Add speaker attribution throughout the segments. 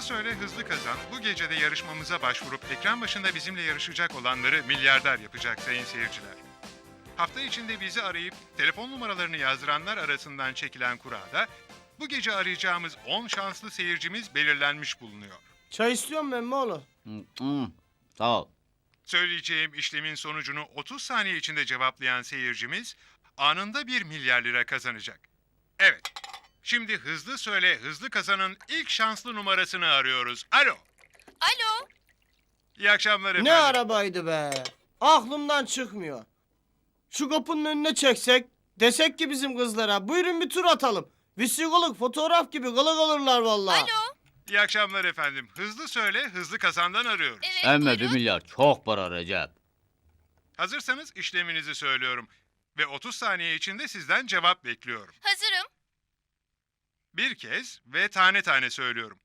Speaker 1: söyle hızlı kazan bu gece de yarışmamıza başvurup ekran başında bizimle yarışacak olanları milyarder yapacak sayın seyirciler. Hafta içinde bizi arayıp telefon numaralarını yazdıranlar arasından çekilen kurada bu gece arayacağımız 10 şanslı seyircimiz belirlenmiş bulunuyor.
Speaker 2: Çay istiyorum ben mi oğlum?
Speaker 3: Sağ ol.
Speaker 1: Söyleyeceğim işlemin sonucunu 30 saniye içinde cevaplayan seyircimiz anında 1 milyar lira kazanacak. Evet, şimdi hızlı söyle hızlı kazanın ilk şanslı numarasını arıyoruz. Alo.
Speaker 4: Alo.
Speaker 1: İyi akşamlar efendim.
Speaker 2: Ne arabaydı be? Aklımdan çıkmıyor. Şu kapının önüne çeksek, desek ki bizim kızlara buyurun bir tur atalım. Vesikoluk fotoğraf gibi kılık olurlar vallahi.
Speaker 4: Alo.
Speaker 1: İyi akşamlar efendim. Hızlı söyle hızlı kazandan arıyoruz.
Speaker 4: Evet,
Speaker 3: Emme 1
Speaker 4: buyurun.
Speaker 3: milyar çok para Recep.
Speaker 1: Hazırsanız işleminizi söylüyorum. Ve 30 saniye içinde sizden cevap bekliyorum.
Speaker 4: Hazırım.
Speaker 1: Bir kez ve tane tane söylüyorum.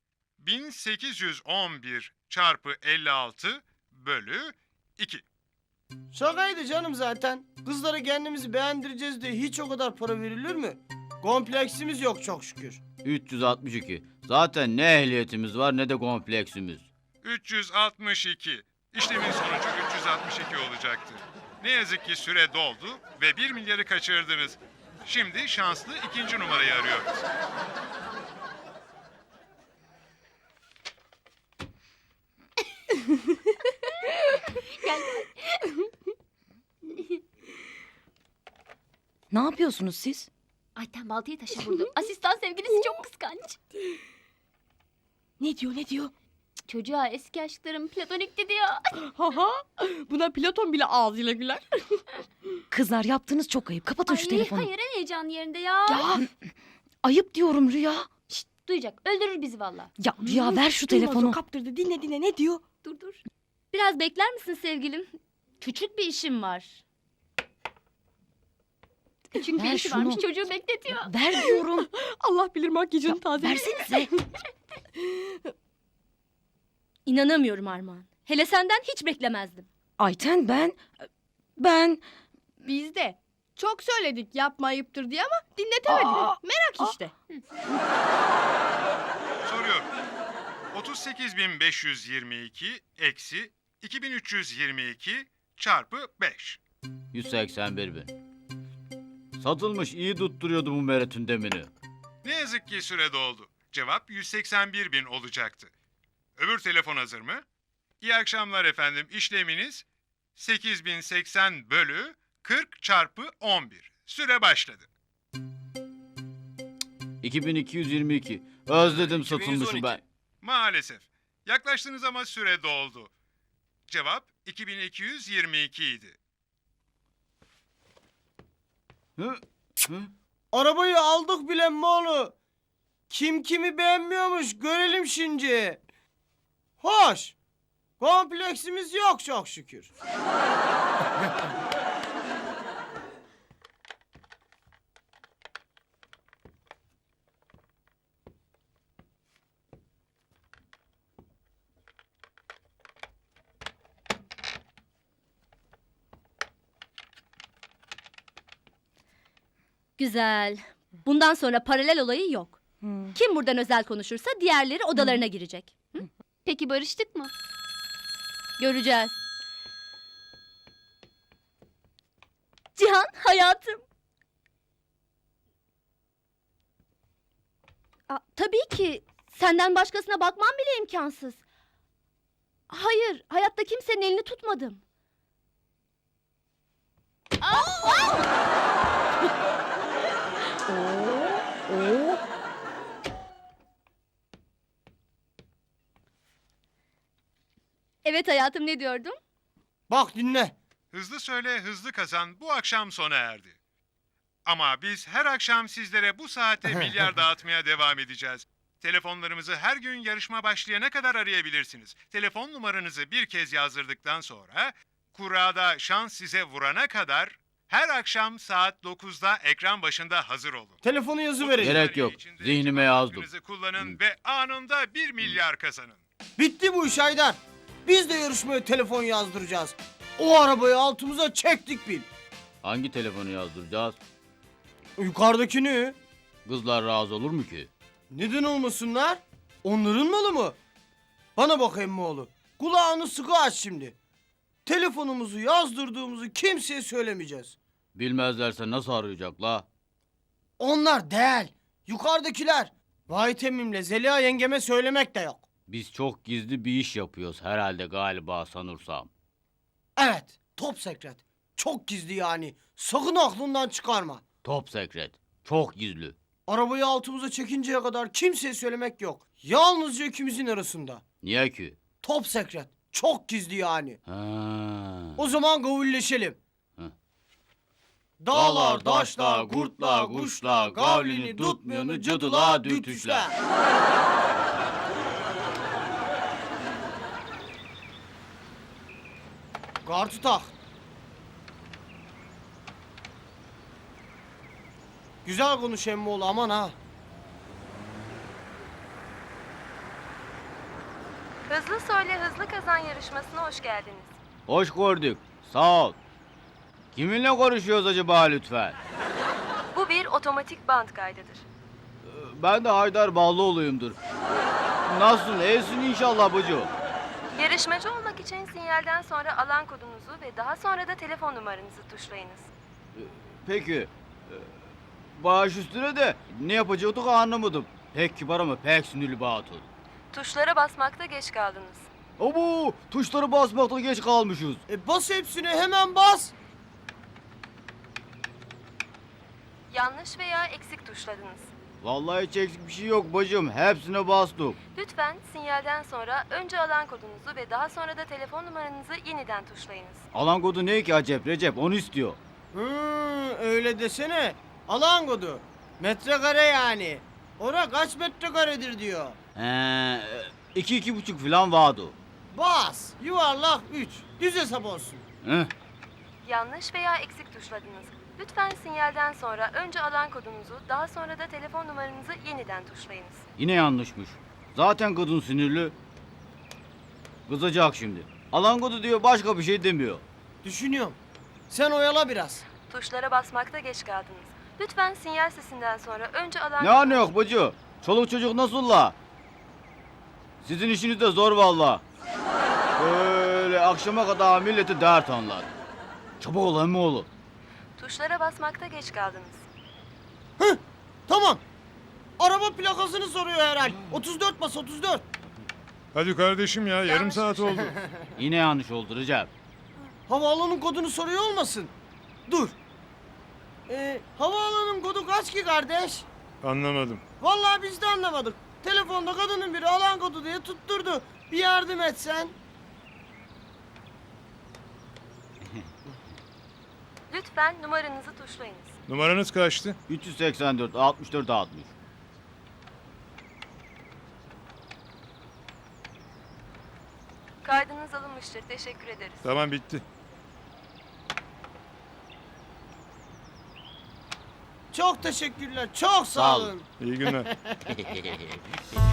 Speaker 1: 1811 çarpı 56 bölü 2.
Speaker 2: Şakaydı canım zaten. Kızlara kendimizi beğendireceğiz diye hiç o kadar para verilir mi? Kompleksimiz yok çok şükür.
Speaker 3: 362. Zaten ne ehliyetimiz var ne de kompleksimiz.
Speaker 1: 362. İşlemin sonucu 362 olacaktı. Ne yazık ki süre doldu ve 1 milyarı kaçırdınız. Şimdi şanslı ikinci numarayı arıyoruz.
Speaker 5: Ne yapıyorsunuz siz?
Speaker 4: Ayten baltayı taşa vurdu. Asistan sevgilisi çok kıskanç.
Speaker 5: Ne diyor?
Speaker 4: Çocuğa eski aşklarım platonikti diyor.
Speaker 6: Haha, buna Platon bile ağzıyla güler.
Speaker 5: Kızlar yaptığınız çok ayıp. Kapatın şu telefonu.
Speaker 4: Hayır en heyecanlı yerinde ya.
Speaker 5: Ya ayıp diyorum Rüya.
Speaker 4: Şşt, duyacak öldürür bizi valla.
Speaker 5: Ya Rüya ver şu
Speaker 6: Duymaz o,
Speaker 5: telefonu.
Speaker 6: kaptırdı. Dinle ne diyor?
Speaker 4: Dur. Biraz bekler misin sevgilim? Küçük bir işim var. Küçük bir
Speaker 5: Ver
Speaker 4: işi
Speaker 5: şunu.
Speaker 4: varmış çocuğu bekletiyor.
Speaker 5: Ver diyorum.
Speaker 6: Allah bilir makyajını taze.
Speaker 5: Versenize.
Speaker 4: İnanamıyorum Armağan. Hele senden hiç beklemezdim.
Speaker 5: Ayten ben
Speaker 6: Biz de çok söyledik yapma ayıptır diye ama dinletemedik. Merak işte.
Speaker 1: Soruyorum. 38.522 eksi 2322 çarpı 5.
Speaker 3: 181 bin. Satılmış iyi tutturuyordu bu Meret'in demini.
Speaker 1: Ne yazık ki süre doldu. Cevap 181 bin olacaktı. Öbür telefon hazır mı? İyi akşamlar efendim. İşleminiz 8080 bölü 40 çarpı 11. Süre başladı.
Speaker 3: 2222. Özledim
Speaker 7: 2212.
Speaker 3: satılmışı ben.
Speaker 1: Maalesef. Yaklaştınız ama süre doldu. Cevap 2222 idi.
Speaker 3: Hı? Hı?
Speaker 2: Arabayı aldık bile mi oğlum? Kim kimi beğenmiyormuş görelim şimdi. Hoş. Kompleksimiz yok çok şükür.
Speaker 4: Güzel. Bundan sonra paralel olayı yok. Kim buradan özel konuşursa diğerleri odalarına girecek. Hı? Peki barıştık mı? Göreceğiz. Cihan hayatım. Tabii ki senden başkasına bakmam bile imkansız. Hayır, hayatta kimsenin elini tutmadım. Evet hayatım ne diyordum?
Speaker 2: Bak dinle.
Speaker 1: Hızlı söyle hızlı kazan bu akşam sona erdi. Ama biz her akşam sizlere bu saate milyar dağıtmaya devam edeceğiz. Telefonlarımızı her gün yarışma başlayana kadar arayabilirsiniz. Telefon numaranızı bir kez yazdırdıktan sonra kurada şans size vurana kadar her akşam saat 9'da ekran başında hazır olun.
Speaker 2: Telefonu yazıverin.
Speaker 3: Gerek yok.
Speaker 1: İçinde
Speaker 3: Zihnime
Speaker 1: cevap
Speaker 3: yazdım.
Speaker 1: hakkınızı kullanın ve anında 1 milyar kazanın.
Speaker 2: Bitti bu iş Haydar. Biz de yarışmaya telefon yazdıracağız. O arabayı altımıza çektik bil.
Speaker 3: Hangi telefonu yazdıracağız?
Speaker 2: Yukarıdakini.
Speaker 3: Kızlar razı olur mu ki?
Speaker 2: Neden olmasınlar? Onların malı mı? Bana bak emmoğlu. Kulağını sıkı aç şimdi. Telefonumuzu yazdırdığımızı kimseye söylemeyeceğiz.
Speaker 3: Bilmezlerse nasıl arayacak la?
Speaker 2: Onlar değil. Yukarıdakiler. Vahit emmimle Zeliha yengeme söylemek de yok.
Speaker 3: Biz çok gizli bir iş yapıyoruz herhalde galiba sanırsam.
Speaker 2: Evet. Top sekret. Çok gizli yani. Sakın aklından çıkarma.
Speaker 3: Top sekret. Çok gizli.
Speaker 2: Arabayı altımıza çekinceye kadar kimseye söylemek yok. Yalnızca ikimizin arasında.
Speaker 3: Niye ki?
Speaker 2: Top sekret. Çok gizli yani.
Speaker 3: Ha.
Speaker 2: O zaman gavulleşelim.
Speaker 3: Hı.
Speaker 2: Dağlar, taşlar, kurtlar, kuşlar, gavlini tutmayanı cadılar, dürtüşler. Kartı tak. Güzel konuş emmoğlu aman ha.
Speaker 7: Hızlı Söyle Hızlı Kazan yarışmasına hoş geldiniz.
Speaker 3: Hoş gördük. Sağ ol. Kiminle konuşuyoruz acaba lütfen?
Speaker 7: Bu bir otomatik band kaydıdır.
Speaker 3: Ben de Haydar Ballıoğlu'yumdur. Nasılsın? İyisin inşallah bacı.
Speaker 7: Yarışmacı olmak için sinyalden sonra alan kodunuzu ve daha sonra da telefon numaranızı tuşlayınız.
Speaker 3: Peki. Baş üstüne de ne yapacaktık anlamadım. Pek kibar ama pek sinirli batıl.
Speaker 7: Tuşlara basmakta geç kaldınız.
Speaker 3: Abo tuşları basmakta geç kalmışız.
Speaker 2: Bas hepsini hemen bas.
Speaker 7: Yanlış veya eksik tuşladınız.
Speaker 3: Vallahi hiç eksik bir şey yok bacım. Hepsine bastık.
Speaker 7: Lütfen sinyalden sonra önce alan kodunuzu ve daha sonra da telefon numaranızı yeniden tuşlayınız.
Speaker 3: Alan kodu ne ki acep Recep onu istiyor.
Speaker 2: Öyle desene. Alan kodu. Metrekare yani. Ora kaç metrekaredir diyor.
Speaker 3: He, 2-2,5 falan vardı.
Speaker 2: Bas. Yuvarlak 3. Düz hesap olsun.
Speaker 3: Heh.
Speaker 7: Yanlış veya eksik tuşladınız. Lütfen sinyalden sonra önce alan kodunuzu, daha sonra da telefon numaranızı yeniden tuşlayınız.
Speaker 3: Yine yanlışmış. Zaten kadın sinirli. Kızacak şimdi. Alan kodu diyor başka bir şey demiyor.
Speaker 2: Düşünüyorum. Sen oyala biraz.
Speaker 7: Tuşlara basmakta geç kaldınız. Lütfen sinyal sesinden sonra önce alan...
Speaker 3: Ne anı yok bacı? Çoluk çocuk nasıl la? Sizin işiniz de zor valla. Böyle akşama kadar milleti dert anlar. Çabuk ol emmoğlu.
Speaker 7: Tuşlara basmakta geç kaldınız.
Speaker 2: Tamam. Araba plakasını soruyor herhal. 34 bas 34.
Speaker 1: Hadi kardeşim ya yarım
Speaker 7: Yanlış
Speaker 1: saat oldu.
Speaker 3: Yine yanlış oldu Recep.
Speaker 2: Havaalanının kodunu soruyor olmasın? Dur. Havaalanının kodu kaç ki kardeş?
Speaker 1: Anlamadım.
Speaker 2: Vallahi biz de anlamadık. Telefonda kadının biri alan kodu diye tutturdu. Bir yardım etsen.
Speaker 7: Lütfen numaranızı tuşlayınız.
Speaker 1: Numaranız kaçtı?
Speaker 3: 384 64 60.
Speaker 7: Kaydınız alınmıştır. Teşekkür ederiz.
Speaker 1: Tamam bitti.
Speaker 2: Çok teşekkürler. Çok sağ
Speaker 3: Sağ olun.
Speaker 2: olun.
Speaker 1: İyi günler.